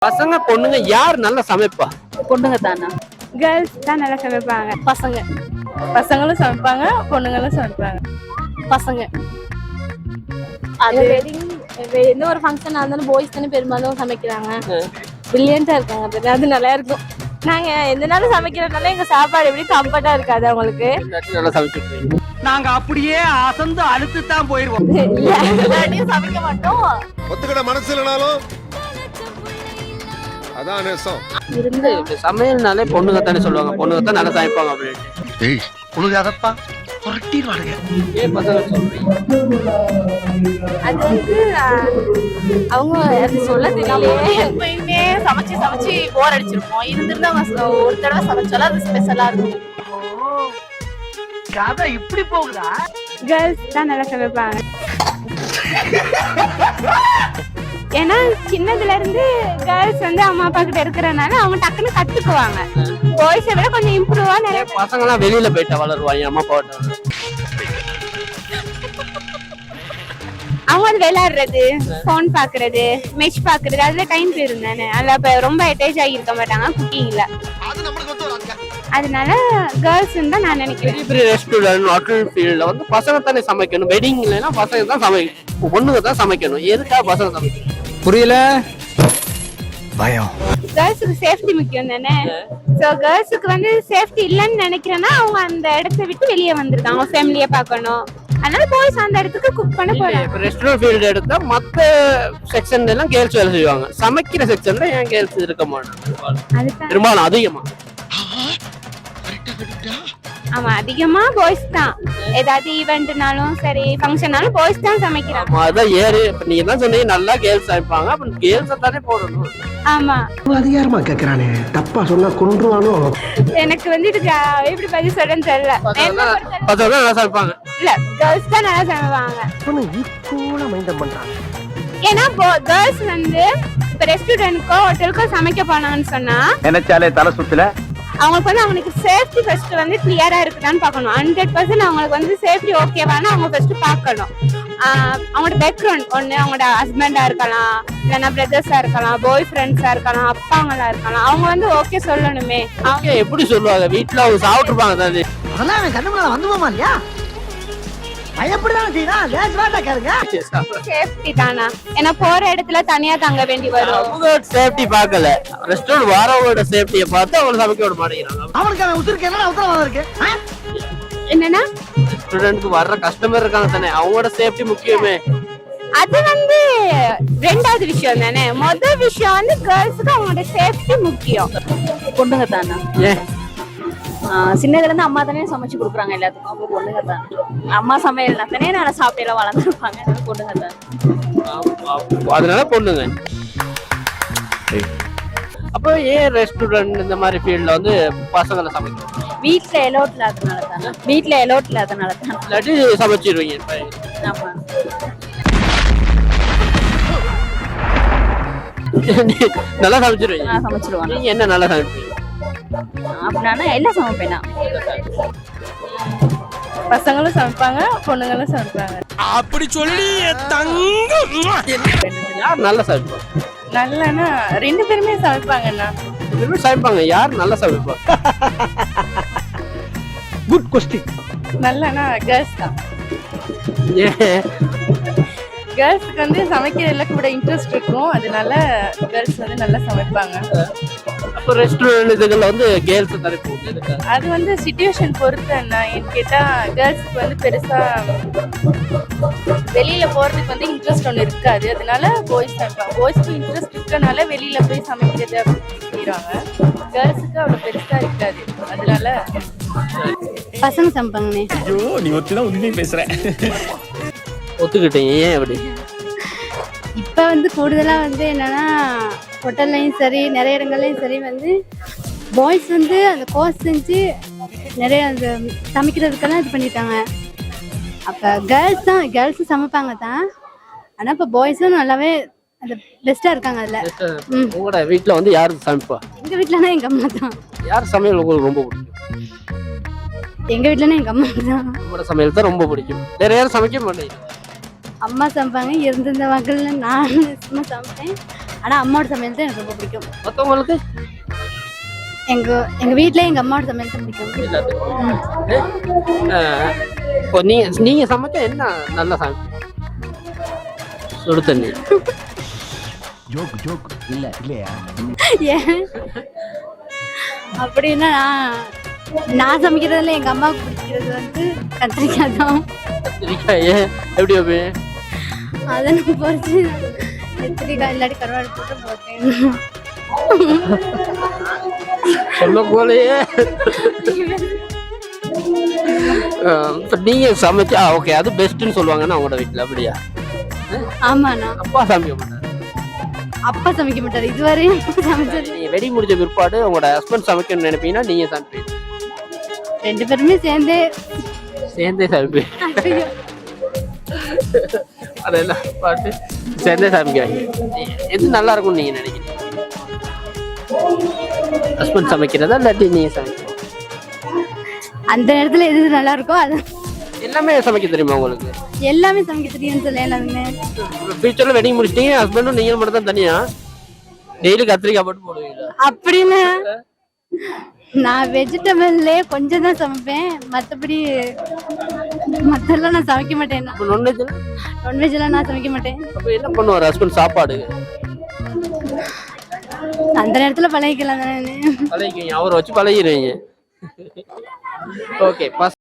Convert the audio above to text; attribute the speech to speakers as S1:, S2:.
S1: பசங்க பொண்ணுங்க யார் நல்லா சமைப்பா?
S2: பொண்ணுங்க தானா?
S3: கேர்ள்ஸ் தான் நல்லா சமைப்பாங்க.
S2: பசங்களும் சமைப்பாங்க, பொண்ணுங்களும் சமைப்பாங்க.
S3: பசங்க அது எந்த ஒரு ஃபங்க்ஷன் இருந்தாலும் பாய்ஸ் தானே பெரும்பாலும் சமைக்கிறாங்க. பிரில்லியண்டா இருக்காங்க, அது நல்லா இருக்கும். நாங்க எந்த நாளும் சமைக்கிறதுனால எங்க சாப்பாடு எப்படி கம்ஃபர்ட்டா இருக்காது அவங்களுக்கு.
S1: நல்லா சமைச்சிருக்கீங்க.
S4: நாங்க அப்படியே அசந்து அழுத்து தான் போயிருவோம்.
S3: எல்லாத்தையும் சமைக்க மாட்டோம்.
S5: ஒத்துக்கிட மனசு இல்லைனாலும் அதான் நேசம்.
S1: இருந்து சமையல்னாலே பொண்ணுங்க தானே சொல்லுவாங்க, பொண்ணுங்க தான் நல்லா சமைப்பாங்க அப்படின்னு.
S4: ஏய் உழுகாதப்பா, புரட்டிடுவானுங்க.
S1: ஏன் பசங்க சொல்றீங்க?
S3: அது வந்து அவங்க அது சொல்ல தெரியலையே. எப்பயுமே சமைச்சு சமைச்சு போர் அடிச்சிருப்போம். இருந்திருந்தா ஒரு தடவை சமைச்சாலும் அது ஸ்பெஷலா இருக்கும்.
S4: கதை இப்படி போகுதா?
S3: கேர்ள்ஸ் தான் நல்லா சமைப்பாங்க. ஏன்னா சின்னதுல இருந்து கேர்ள்ஸ் வந்து அம்மா அப்பா கிட்ட இருக்கிறனால அவங்க டக்குன்னு கத்துக்குவாங்க. பாய்ஸை விட கொஞ்சம் இம்ப்ரூவா நிறைய.
S1: பசங்க எல்லாம் வெளியில போயிட்டா வளருவாங்க, அம்மா அப்பா
S3: அவங்க வந்து விளையாடுறது, போன் பாக்குறது, மெஷ் பாக்குறது, அதுல டைம் போயிரும் தானே. அதுல இப்ப ரொம்ப அட்டாச் ஆகியிருக்க மாட்டாங்க குக்கிங்ல. அதனால கேர்ள்ஸ் தான் நான் நினைக்கிறேன்.
S1: பெரிய பெரிய ரெஸ்டாரண்ட் ஹோட்டல் ஃபீல்ட்ல வந்து பசங்க தானே சமைக்கணும். வெட்டிங்லனா பசங்க தான் சமைக்கணும், பொண்ணுங்க தான் சமைக்கணும். எதுக்காக பசங்க சமைக்கணும்
S4: புரியல. பயம்.
S3: கேர்ள்ஸுக்கு சேஃப்டி முக்கியம் தானே. சோ கேர்ள்ஸுக்கு வந்து சேஃப்டி இல்லைன்னு நினைக்கிறேன்னா அவங்க அந்த இடத்தை விட்டு வெளியே வந்திருக்காங்க, ஃபேமிலியை பார்க்கணும். அதனால பாய்ஸ் அந்த இடத்துக்கு குக் பண்ண போறாங்க.
S1: இப்போ ரெஸ்டாரண்ட் ஃபீல்டு எடுத்தா மற்ற செக்ஷன்ல எல்லாம் கேர்ள்ஸ் வேலை செய்வாங்க, சமைக்கிற செக்ஷன்ல ஏன் கேர்ள்ஸ் இருக்க மாட்டாங்க? பெரும்பாலும் அதிகமா
S3: ஆமா அதிகமா பாய்ஸ் தான். ஏதாவது ஈவென்ட்னாலும் சரி ஃபங்க்ஷன்னாலும் பாய்ஸ் தான் சமைக்கிறாங்க.
S1: அதான் ஏறு. இப்ப நீங்க தான் சொன்னீங்க நல்லா கேர்ள்ஸ் சமைப்பாங்க, அப்ப கேர்ள்ஸ் தானே போடணும்.
S3: ஆமா
S4: அதிகாரமா கேக்குறானே, தப்பா சொன்னா கொன்றுவானோ.
S3: எனக்கு வந்து இதுக்கு எப்படி பதில் சொல்றேன்னு தெரியல.
S1: பசங்க நல்லா சமைப்பாங்க.
S3: இல்ல கேர்ள்ஸ் தான் நல்லா சமைப்பாங்க.
S4: ஈக்குவலா மைண்டம் பண்றாங்க.
S3: ஏன்னா கேர்ள்ஸ் வந்து இப்ப ரெஸ்டாரண்ட்க்கோ ஹோட்டலுக்கோ சமைக்க போனாங்கன்னு சொன்னா
S4: நினைச்சாலே தலை சுத்துல
S3: அவங்களுக்கு வந்து அவங்களுக்கு சேஃப்டி ஃபர்ஸ்ட் வந்து கிளியரா இருக்குதான்னு பார்க்கணும். 100% அவங்களுக்கு வந்து சேஃப்டி ஓகேவானு அவங்க ஃபர்ஸ்ட் பார்க்கணும். அவங்களோட பேக்ரவுண்ட் ஒண்ணு, அவங்களோட ஹஸ்பண்டா இருக்கலாம், இல்லைன்னா பிரதர்ஸா இருக்கலாம், பாய் ஃப்ரெண்ட்ஸா இருக்கலாம், அப்பாங்களா இருக்கலாம். அவங்க வந்து ஓகே சொல்லணுமே.
S1: அவங்க எப்படி சொல்லுவாங்க? வீட்டுல அவங்க சாப்பிட்டுருப்பாங்க தானே.
S4: அதெல்லாம் அவன் கண்ணு மேல வந்துவோமா இல்லையா? பயப்படதான் செய்யலாம். லேசாட்டா கேளுங்க.
S3: சேஃப்டி தானா? ஏன்னா போற இடத்துல தனியா தங்க வேண்டி வரும்.
S1: அவங்க சேஃப்டி பார்க்கல, ரெஸ்டாரண்ட் வரவங்களோட சேஃப்டியை பார்த்து அவங்க சமைக்க விட மாட்டேங்கிறாங்க.
S4: அவனுக்கு அவன் உத்திருக்கு என்ன உத்தரவாதம் இருக்கு?
S3: என்னன்னா
S1: ரெஸ்டாரண்ட்க்கு வர்ற கஸ்டமர் இருக்காங்க தானே, அவங்களோட சேஃப்டி முக்கியமே.
S3: அது வந்து ரெண்டாவது விஷயம் தானே. முதல் விஷயம் வந்து கேர்ள்ஸுக்கு அவங்களோட சேஃப்டி முக்கியம்.
S2: பொண்ணுங்க தானா?
S1: ஏன்?
S2: சின்னதுல இருந்து அம்மா தானே சமைச்சு கொடுக்குறாங்க எல்லாத்துக்கும். அப்போ பொண்ணுங்க தான். அம்மா சமையல்னா தானே நல்லா சாப்பிட்டு வளர்ந்துருப்பாங்க. பொண்ணுங்க தான்.
S1: அதனால பொண்ணுங்க. அப்போ ஏன் ரெஸ்டாரண்ட் இந்த மாதிரி ஃபீல்ட்ல வந்து பசங்களை சமைக்கணும்?
S2: வீட்டுல எலோட் இல்லாதனால தானே. வீட்டுல எலோட் இல்லாதனால தான்.
S1: இல்லாட்டி சமைச்சிருவீங்க.
S2: ஆமா
S1: நல்லா சமைச்சிருவீங்க.
S2: சமைச்சிருவாங்க.
S1: நீங்க என்ன நல்லா சமைப்பீங்க?
S2: அப்படின்னா எல்லாம் சமைப்பேனா. பசங்களும் சமைப்பாங்க, பொண்ணுங்களும் சமைப்பாங்க.
S4: அப்படி சொல்லி
S1: யார் நல்லா சமைப்பாங்க?
S2: நல்லனா ரெண்டு பேருமே சமைப்பாங்கண்ணா.
S1: சமைப்பாங்க. யார் நல்லா சமைப்பா?
S4: Good question.
S2: நல்லனா கேர்ள்ஸ் தான்.
S1: ஏன்?
S2: கேர்ள்ஸுக்கு வந்து சமைக்கிறதுல கூட இன்ட்ரெஸ்ட் இருக்கும். அதனால கேர்ள்ஸ் வந்து நல்லா சமைப்பாங்க.
S1: அப்போ ரெஸ்டாரண்ட் இதுல வந்து கேர்ள்ஸ் தானே போகுது.
S2: அது வந்து சிச்சுவேஷன் பொறுத்து என்ன கேட்டா, கேர்ள்ஸ்க்கு வந்து பெருசா வெளியில போறதுக்கு வந்து இன்ட்ரெஸ்ட் ஒன்று இருக்காது. அதனால பாய்ஸ் சமைப்பாங்க. பாய்ஸ்க்கு இன்ட்ரெஸ்ட் இருக்கனால வெளியில போய் சமைக்கிறது அப்படின்னு செய்யறாங்க. கேர்ள்ஸுக்கு அவ்வளவு பெருசா இருக்காது. அதனால
S3: பசங்க சமைப்பாங்கண்ணே.
S5: ஐயோ நீ ஒத்திதான் உண்மையை பேசுற.
S1: ஒத்துக்கிட்டீங்க. ஏன் அப்படி?
S3: இப்ப வந்து கூடுதலா வந்து என்னன்னா ஹோட்டல்லையும் சரி நிறைய இடங்கள்லையும் சரி வந்து பாய்ஸ் வந்து அந்த கோர்ஸ் செஞ்சு நிறைய அந்த சமைக்கிறதுக்கெல்லாம் இது பண்ணிட்டாங்க. அப்போ கேர்ள்ஸும் சமைப்பாங்க தான். ஆனால் இப்போ பாய்ஸும் நல்லாவே அந்த பெஸ்ட்டாக இருக்காங்க அதில்.
S1: உங்களோட வீட்டில் வந்து யார் சமைப்பா?
S3: எங்கள் வீட்டிலனா எங்கள் அம்மா தான்.
S1: யார் சமையல் உங்களுக்கு ரொம்ப பிடிக்கும்?
S3: எங்கள் வீட்டிலனா எங்கள் அம்மா தான்.
S1: உங்களோட சமையல் தான் ரொம்ப பிடிக்கும். வேற யாரும் சமைக்க மாட்டேங்க?
S3: அம்மா சமைப்பாங்க. இருந்திருந்த மக்கள் நான் சும்மா சமைப்பேன். ஆனா அம்மாவோட சமையல் தான் எனக்கு ரொம்ப பிடிக்கும்.
S1: மற்றவங்களுக்கு
S3: எங்க வீட்ல எங்க அம்மாவோட சமையல் தான் பிடிக்கும்.
S1: இப்போ நீங்க சமைக்க என்ன நல்லா சமைப்பீங்க? சுடு தண்ணி.
S3: ஏன் அப்படின்னா நான் சமைக்கிறதுல எங்க அம்மாவுக்கு பிடிக்கிறது வந்து கத்திரிக்காய் தான்.
S1: கத்திரிக்காய் எப்படி வைப்பீங்க?
S3: அதை நான் பொறிச்சு கத்திரிக்காய் இல்லாட்டி கருவாடு போட்டு போட்டேன்.
S1: சொல்ல போலயே. இப்போ நீங்க சமைச்சா ஓகே அது பெஸ்ட்னு சொல்லுவாங்கன்னா உங்களோட வீட்டில் அப்படியா?
S3: ஆமாண்ணா.
S1: அப்பா சமைக்க மாட்டாரு.
S3: அப்பா சமைக்க மாட்டாரு இதுவரையும் சமைச்சது.
S1: நீங்க வெடி முடிஞ்ச பிற்பாடு உங்களோட ஹஸ்பண்ட் சமைக்கணும்னு நினைப்பீங்கன்னா நீங்க சமைப்பீங்க?
S3: 2 பேருமே சேர்ந்தே
S1: சமைப்பீங்க. அதெல்லாம் பாட்டு சேர்ந்தே சமைக்கிறாங்க. எது நல்லா இருக்கும்னு நீங்க நினைக்கிறீங்க? ஹஸ்பண்ட் சமைக்கிறதா இல்லாட்டி நீங்க சமைக்கிறீங்க?
S3: அந்த நேரத்துல எது நல்லா இருக்கோ அது
S1: எல்லாமே சமைக்க தெரியுமா உங்களுக்கு?
S3: எல்லாமே சமைக்க தெரியும்னு சொல்ல எல்லாமே.
S1: ஃபியூச்சர்ல வெட்டிங் முடிச்சிட்டீங்க ஹஸ்பண்டும் நீங்க மட்டும் தான் தனியா டெய்லி கத்திரிக்காய் போட்டு போடுவீங்களா?
S3: அப்படின்னு நான் வெஜிடபிள்லே கொஞ்சம் தான் சமைப்பேன். மற்றபடி மற்றெல்லாம் நான் சமைக்க மாட்டேன். நான்வெஜ்லாம் நான் சமைக்க மாட்டேன்.
S1: அப்ப என்ன பண்ணுவார் ஹஸ்பண்ட் சாப்பாடு?
S3: அந்த நேரத்துல பழகிக்கலாம் தானே.
S1: பழகிக்கிங்க, அவரை வச்சு பழகிடுவீங்க. ஓகே.